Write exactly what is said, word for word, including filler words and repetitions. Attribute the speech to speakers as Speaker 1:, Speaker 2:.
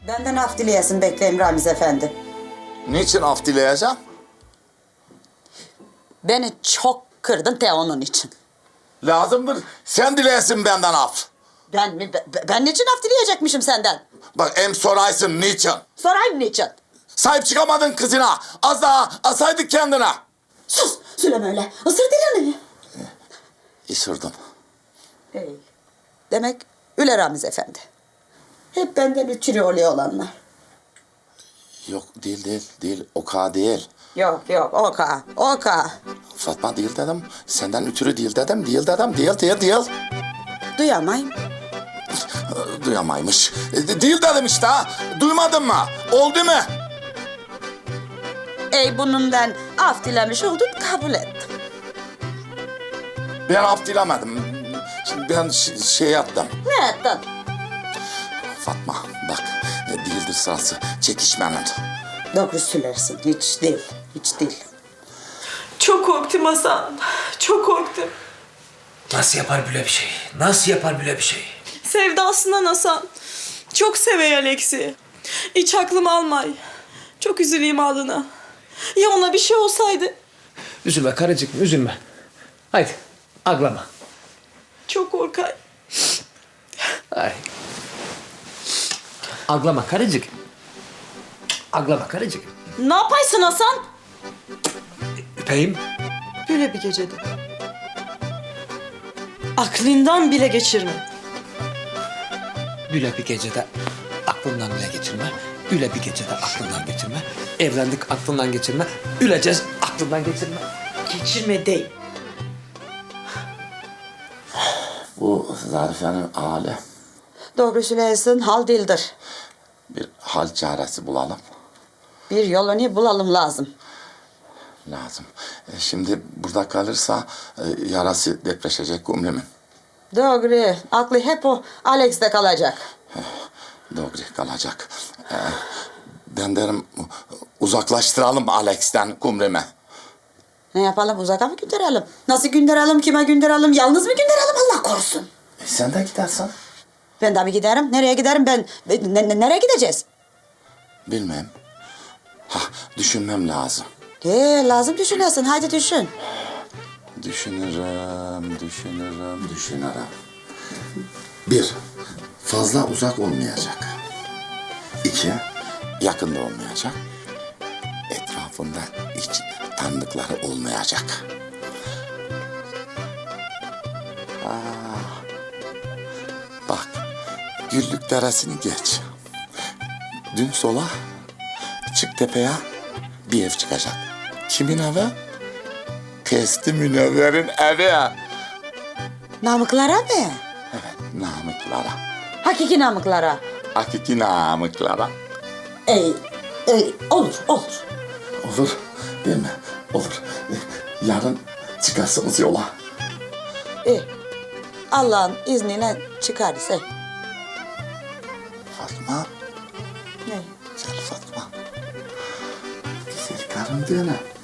Speaker 1: Benden af dileyesin bekleyeyim Ramiz Efendi.
Speaker 2: Niçin af dileyeceğim?
Speaker 1: Beni çok kırdın de onun için.
Speaker 2: Lazımdır. Sen dileyesin benden af.
Speaker 1: Ben mi? Ben, ben niçin af dileyecekmişim senden?
Speaker 2: Bak em soraysın niçin?
Speaker 1: Sorayım niçin?
Speaker 2: Sahip çıkamadın kızına. Az daha asaydık kendine.
Speaker 1: Sus! Söyleme öyle. Isır dilini.
Speaker 2: Isırdım.
Speaker 1: Hey. Demek öyle Ramiz Efendi. Hep benden üçürü oluyor olanlar.
Speaker 2: Yok değil değil değil. O ka değil.
Speaker 1: Yok yok oka oka.
Speaker 2: Fatma değil dedim. Senden ötürü değil dedim. Değil dedim. Değil değil değil.
Speaker 1: Duyamayım.
Speaker 2: Duyamaymış. E, Değil dedim işte ha. Duymadın mı? Oldu mu?
Speaker 1: Ey bunundan af dilemiş oldun kabul ettim.
Speaker 2: Ben af dilemedim. Şimdi ben ş- şey yaptım.
Speaker 1: Ne ettin?
Speaker 2: Fatma bak e, değildir sırası çekişmenin.
Speaker 1: Doğru söylersin. Hiç değil. Hiç değil.
Speaker 3: Çok korktum Hasan. Çok korktum.
Speaker 4: Nasıl yapar böyle bir şey? Nasıl yapar böyle bir şey?
Speaker 3: Sevdasından Hasan. Çok sevey Alex'i. Hiç aklım almay. Çok üzüleyim ağlına. Ya ona bir şey olsaydı?
Speaker 4: Üzülme karıcığım, üzülme. Haydi, ağlama.
Speaker 3: Çok korkay.
Speaker 4: Ay. Ağlama karıcık. Ağlama karıcık.
Speaker 3: Ne yapaysın Hasan?
Speaker 4: Öpeyim.
Speaker 3: Böyle bir gecede. Aklından bile geçirme.
Speaker 4: Böyle bir gecede aklından bile geçirme. Öyle bir gecede aklından geçirme. Evlendik aklından geçirme. Öleceğiz aklından geçirme.
Speaker 3: Geçirme değil.
Speaker 2: Bu Zarife'nin hali.
Speaker 1: Doğru söylersin. Hal dildir.
Speaker 2: Bir hal çaresi bulalım.
Speaker 1: Bir yolunu bulalım lazım.
Speaker 2: Lazım. E, şimdi burada kalırsa e, yarası depreşecek Gümrüm'ün.
Speaker 1: Doğru. Aklı hep o Alex'te kalacak.
Speaker 2: Doğru kalacak. E, ben derim uzaklaştıralım Alex'ten Gümrüm'ü.
Speaker 1: Ne yapalım? Uzaka mı gönderelim? Nasıl gönderelim? Kime gönderelim? Yalnız mı gönderelim? Allah korusun.
Speaker 2: E, sen de gidersen.
Speaker 1: Ben tabii giderim. Nereye giderim ben? Ne- ne- nereye gideceğiz?
Speaker 2: Bilmem. Ha, düşünmem lazım.
Speaker 1: Ee, lazım düşünesin. Haydi düşün.
Speaker 2: Düşünürüm, düşünürüm, düşünürüm. Bir, fazla uzak olmayacak. İki, yakında olmayacak. Etrafında hiç tanıdıkları olmayacak. Ah, bak, Güllük Deresi'ni geç. Dün sola, çık tepeye bir ev çıkacak. Kimin evi? Testi Münevver'in evi.
Speaker 1: Namıklara mı?
Speaker 2: Evet, namıklara.
Speaker 1: Hakiki namıklara.
Speaker 2: Hakiki namıklara.
Speaker 1: Ey, ey, olur, olur.
Speaker 2: Olur, değil mi? Olur. Yarın çıkarsınız yola.
Speaker 1: İyi. Allah'ın izniyle çıkarız. Ey.
Speaker 2: Fatma,
Speaker 1: Ne?
Speaker 2: güzel Fatma. Güzel karım değil mi?